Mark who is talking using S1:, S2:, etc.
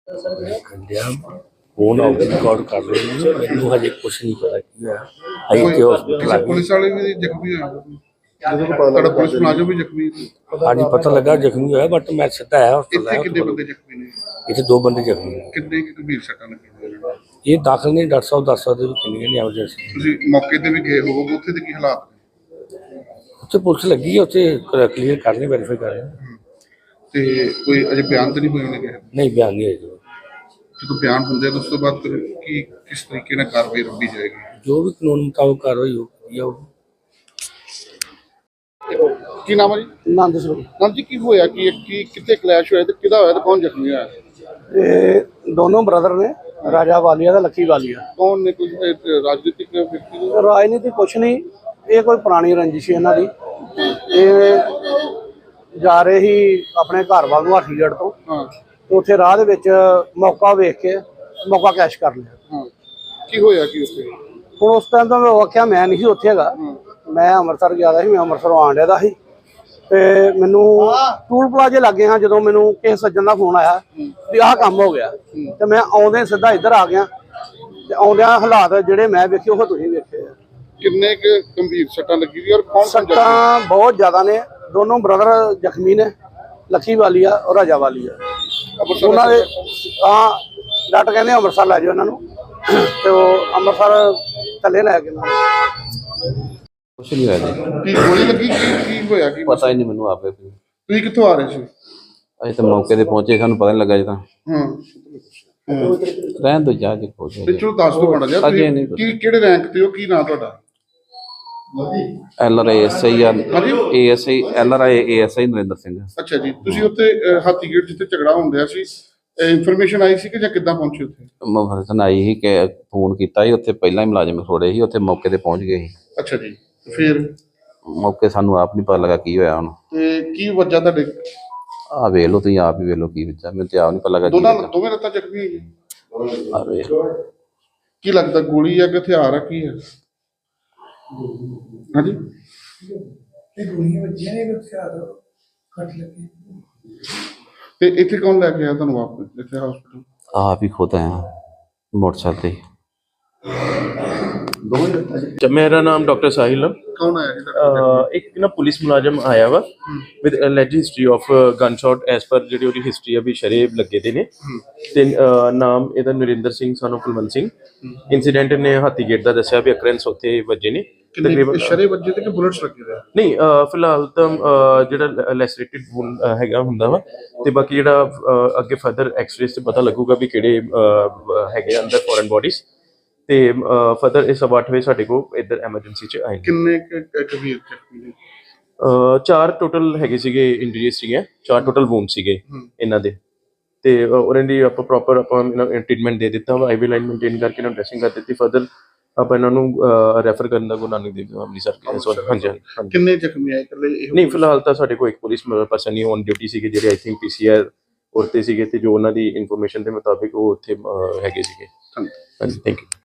S1: Phone out record कर रहे हैं, मैनू हजे कुछ नहीं पता की है। अभी ते हॉस्पिटल आ गए।
S2: पुलिस वाले भी जख्मी होया, पुलिस मुलाजम भी जख्मी
S1: हाँ जी पता लगा जख्मी होया, बट मैं सीधा आया हॉस्पिटल
S2: इतने
S1: आया।
S2: कितने बंदे जख्मी ने?
S1: इतने 2 बंदे जख्मी ने।
S2: कितने की गंभीर सट्टां लगियां?
S1: ये दाखिल नहीं, डॉक्टर साहब दस सकते कितनी ने एमरजेंसी।
S2: ਤੁਸੀਂ ਮੌਕੇ ਤੇ ਵੀ ਗਏ ਹੋਵੋਗੇ, ਉੱਥੇ ਦੇ ਕੀ ਹਾਲਾਤ ਨੇ?
S1: उत्थे पुलिस लगी है, उत्थे क्लीयर कर रहे, वेरीफाई कर रहे हैं।
S2: ਤੇ ਕੋਈ ਅਜੇ ਬਿਆਨ ਤਾਂ ਨਹੀਂ ਹੋਏ ਨੇ?
S1: नहीं बयान नहीं है जो
S2: ਜਦੋਂ ਬਿਆਨ ਹੁੰਦੇ ਆ ਤਾਂ ਉਸ ਤੋਂ ਬਾਅਦ ਫਿਰ ਕੀ ਕਿਸ ਤਰੀਕੇ ਨਾਲ ਕਾਰਵਾਈ ਰੱਖੀ ਜਾਏਗੀ?
S1: जो भी कानून मुताबिक कार्रवाई होगी।
S2: ਕੀ ਨਾਮ ਹੈ ਜੀ?
S3: ਆਨੰਦ ਸਰੂਪ।
S2: ਨਾਮ ਜੀ, ਕੀ ਹੋਇਆ ਕੀ ਕਿੱਥੇ ਕਲੈਸ਼ ਹੋਇਆ ਤੇ ਕਿਹਦਾ ਹੋਇਆ ਤੇ ਕੌਣ ਜ਼ਖਮੀ ਹੋਇਆ?
S3: ਇਹ ਦੋਨੋਂ ਬ੍ਰਦਰ ਨੇ, ਰਾਜਾ ਵਾਲੀਆ ਤੇ ਲੱਕੀ ਵਾਲੀਆ।
S2: ਕੌਣ ਨੇ? ਕੋਈ ਰਾਜਨੀਤਿਕ ਵਿਅਕਤੀ ਨੇ?
S3: ਰਾਜਨੀਤੀ ਕੁਛ ਨਹੀਂ, ਇਹ ਕੋਈ ਪੁਰਾਣੀ ਰੰਜਿਸ਼ ਹੈ ਇਹਨਾਂ ਦੀ। ਇਹ ਜਾ ਰਹੇ ਸੀ ਆਪਣੇ ਘਰ ਵੱਲ ਨੂੰ ਹਾਥੀਗੜ੍ਹ ਤੋਂ,
S2: ਹਾਂ
S3: ਤੇ ਉੱਥੇ ਰਾਹ ਦੇ ਵਿੱਚ ਮੌਕਾ ਵੇਖ ਕੇ ਮੌਕਾ ਕੈਸ਼ ਕਰ ਲਿਆ।
S2: ਹਾਂ, ਕੀ ਹੋਇਆ ਕੀ ਉੱਥੇ?
S3: ਹੁਣ ਉਸ ਟਾਈਮ ਤਾਂ ਮੈਂ ਆਖਿਆ ਮੈਂ ਨਹੀਂ ਸੀ ਉੱਥੇ ਹੈਗਾ, ਮੈਂ ਅੰਮ੍ਰਿਤਸਰ ਗਿਆ ਦਾ ਸੀ, ਮੈਂ ਅੰਮ੍ਰਿਤਸਰੋਂ ਆਉਣ ਡਿਆ ਦਾ ਸੀ। ਤੇ ਮੈਨੂੰ ਟੂਲ ਪਲਾਜ਼ੇ ਲੱਗੇ ਹਾਂ ਜਦੋਂ ਮੈਨੂੰ ਕਿਸੇ ਸੱਜਣ ਦਾ ਫੋਨ ਆਇਆ ਵੀ ਆਹ ਕੰਮ ਹੋ ਗਿਆ, ਤੇ ਮੈਂ ਆਉਂਦੇ ਸਿੱਧਾ ਇੱਧਰ ਆ ਗਿਆ। ਤੇ ਆਉਂਦਿਆਂ ਹਾਲਾਤ ਜਿਹੜੇ ਮੈਂ ਵੇਖੇ ਉਹ ਤੁਸੀਂ ਵੇਖੇ ਆ।
S2: ਕਿੰਨੇ ਕੁ ਗੰਭੀਰ ਸੱਟਾਂ ਲੱਗੀ ਦੀ ਔਰ ਕੌਣ
S3: ਸੱਟਾਂ ਬਹੁਤ ਜ਼ਿਆਦਾ ਨੇ, ਦੋਨੋਂ ਬ੍ਰਦਰ ਜ਼ਖਮੀ ਨੇ, ਲੱਕੀ ਵਾਲੀਆ ਔਰ ਰਾਜਾ ਵਾਲੀਆ। ਉਹਨਾਂ ਦੇ ਤਾਂ ਡਾਕਟਰ ਕਹਿੰਦੇ ਅੰਮ੍ਰਿਤਸਰ ਲੈ ਜਾਓ ਇਹਨਾਂ ਨੂੰ, ਤੇ ਉਹ ਅੰਮ੍ਰਿਤਸਰ ਥੱਲੇ ਲੈ ਕੇ
S4: ਕੁਛ ਨਹੀਂ ਹੋਇਆ ਜੀ,
S2: ਕੀ ਗੋਲੀ ਲੱਗੀ? ਕੀ ਹੋਇਆ ਕੀ?
S4: ਪਤਾ ਹੀ ਨਹੀਂ ਮੈਨੂੰ ਆਪੇ।
S2: ਤੁਸੀਂ ਕਿੱਥੋਂ ਆ ਰਹੇ ਸੀ?
S4: ਅਜੇ ਤਾਂ ਮੌਕੇ ਤੇ ਪਹੁੰਚੇ, ਸਾਨੂੰ ਪਤਾ ਨਹੀਂ ਲੱਗਾ ਜੀ। ਤਾਂ ਰਹਿਣ ਦੋ ਜਾ ਕੇ ਪਹੁੰਚੇ
S2: ਪਿੱਛੋਂ ਦੱਸ ਦੋ ਬਣਾ ਜਾ ਕੀ ਕਿਹੜੇ ਰੈਂਕ ਤੇ ਹੋ, ਕੀ ਨਾਂ ਤੁਹਾਡਾ?
S4: LRASI ASI LRASI Narendra Singh.
S2: ਅੱਛਾ ਜੀ, ਤੁਸੀਂ ਉੱਥੇ ਹਾਥੀਗੇਟ ਜਿੱਥੇ ਝਗੜਾ ਹੁੰਦਿਆ ਸੀ, ਇਨਫੋਰਮੇਸ਼ਨ ਆਈ ਸੀ ਕਿ ਜਾਂ ਕਿੱਦਾਂ ਪਹੁੰਚੇ ਉੱਥੇ?
S4: ਮਫਰਸਨ ਆਈ ਸੀ ਕਿ ਫੋਨ ਕੀਤਾ ਸੀ, ਉੱਥੇ ਪਹਿਲਾਂ ਹੀ ਮੁਲਾਜ਼ਮ ਖੜੋੜੇ ਸੀ, ਉੱਥੇ ਮੌਕੇ ਤੇ ਪਹੁੰਚ ਗਏ ਸੀ।
S2: ਅੱਛਾ ਜੀ, ਫਿਰ
S4: ਮੌਕੇ ਸਾਨੂੰ ਆਪ ਨਹੀਂ ਪਤਾ ਲੱਗਾ ਕੀ ਹੋਇਆ ਹੁਣ।
S2: ਤੇ ਕੀ ਵਜ੍ਹਾ ਤੁਹਾਡੇ?
S4: ਆਹ ਵੇਖ ਲਓ, ਤੁਸੀਂ ਆਪ ਹੀ ਵੇਖ ਲਓ ਕੀ ਵਿੱਚਾ, ਮੈਨੂੰ ਤੇ ਆਪ ਨਹੀਂ ਪਤਾ ਲੱਗਾ।
S2: ਦੋਵੇਂ ਲੱਤਾਂ ਜ਼ਖਮੀ ਹੈਗੀ?
S4: ਆਹ ਵੇਖ
S2: ਕੀ ਲੱਗਦਾ ਗੋਲੀ ਆ ਕਿ ਹਥਿਆਰ ਆ, ਕੀ ਹੈ? ਹਾਂਜੀ,
S5: ਗੋਲੀਆਂ ਵੱਜੀਆਂ ਨੇ, ਹਥਿਆਰ ਕੱਟ ਲੱਗੇ।
S2: ਤੇ ਇੱਥੇ ਕੌਣ ਲੈ ਕੇ ਆਇਆ ਤੁਹਾਨੂੰ ਵਾਪਸ ਇੱਥੇ ਹਸਪੀਟਲ?
S4: ਆਪ ਹੀ ਖੁਦ ਆਇਆ ਮੋਟਰਸਾਈਕਲ ਤੇ।
S6: मेरा नाम डॉक्टर साहिल है।
S2: ਕੌਣ ਆਇਆ ਜੀ?
S6: एक ना पुलिस मुलाजम आया वा with alleged history of gunshot as per ਜਿਹੜੀ ਉਹਦੀ ਹਿਸਟਰੀ ਆ ਵੀ ਸ਼ਰੇਬ ਲੱਗੇ ਦੇ ਨੇ। ਤੇ ਨਾਮ ਇਹਦਾ ਨਰਿੰਦਰ ਸਿੰਘ ਸਾਨੂੰ ਕੁਲਵੰਤ ਸਿੰਘ। ਇਨਸੀਡੈਂਟ ਨੇ ਹਾਥੀਗੇਟ ਦਾ ਦੱਸਿਆ ਵੀ ਅਕਰੈਂਸ ਉੱਥੇ ਵੱਜੇ ਨੇ
S2: ਤਕਰੀਬਨ। ਸ਼ਰੇ ਵੱਜੇ ਤੇ ਕਿ ਬੁਲਟਸ ਲੱਗੇ ਰਹੇ?
S6: ਨਹੀਂ, ਫਿਲਹਾਲ ਤਾਂ ਜਿਹੜਾ ਲੈਸਰੇਟਿਡ ਵੂਨ ਹੈਗਾ ਹੁੰਦਾ ਵਾ, ਤੇ ਬਾਕੀ ਜਿਹੜਾ ਅੱਗੇ ਫਰਦਰ ਐਕਸ-ਰੇਜ਼ ਤੇ ਪਤਾ ਲੱਗੂਗਾ ਵੀ ਕਿਹੜੇ ਹੈਗੇ ਅੰਦਰ ਫੋਰਨ ਬੋਡੀਜ਼। ਤੇ ਫਰਦਰ ਇਹ 8:30 ਵਜੇ ਸਾਡੇ ਕੋਲ ਇੱਧਰ ਐਮਰਜੈਂਸੀ 'ਚ ਆਏ।
S2: ਕਿੰਨੇ ਗੰਭੀਰ ਜ਼ਖਮੀ ਨੇ?
S6: 4 ਟੋਟਲ ਹੈਗੇ ਸੀਗੇ, ਇੰਜਰੀਜ਼ ਸੀਗੇ, 4 ਟੋਟਲ ਵੂਨ ਸੀਗੇ ਇਹਨਾਂ ਦੇ। ਤੇ ਉਹਨਾਂ ਦੀ ਆਪਾਂ ਪ੍ਰੋਪਰ ਆਪਾਂ ਟ੍ਰੀਟਮੈਂਟ ਦੇ ਦਿੱਤਾ ਵਾ, ਆਈਵੀ ਲਾਈਨ ਮੇਨਟੇਨ ਕਰਕੇ ਇਹਨਾਂ ਨੂੰ ਡਰੈਸਿੰਗ ਕਰ ਦਿੱਤੀ। ਫਰਦਰ ਆਪਾਂ ਇਹਨਾਂ ਨੂੰ ਰੈਫਰ ਕਰਨ ਦਾ ਗੁਰੂ ਨਾਨਕ ਦੇਵ ਅੰਮ੍ਰਿਤਸਰ। ਹਾਂਜੀ।
S2: ਕਿੰਨੇ ਜ਼ਖਮੀ ਆਏ ਇਕੱਲੇ?
S6: ਨਹੀਂ, ਫਿਲਹਾਲ ਤਾਂ ਸਾਡੇ ਕੋਲ ਇੱਕ ਪੁਲਿਸ ਪਰਸਨ ਹੀ ਔਨ ਡਿਊਟੀ ਸੀਗੇ, ਜਿਹੜੇ ਆਈ ਥਿੰਕ PCR ਉਰਤੇ ਸੀਗੇ, ਤੇ ਜੋ ਉਹਨਾਂ ਦੀ ਇਨਫੋਰਮੇਸ਼ਨ ਦੇ ਮੁਤਾਬਿਕ ਉਹ ਉੱਥੇ ਹੈਗੇ ਸੀਗੇ। ਹਾਂਜੀ, ਥੈਂਕ ਯੂ।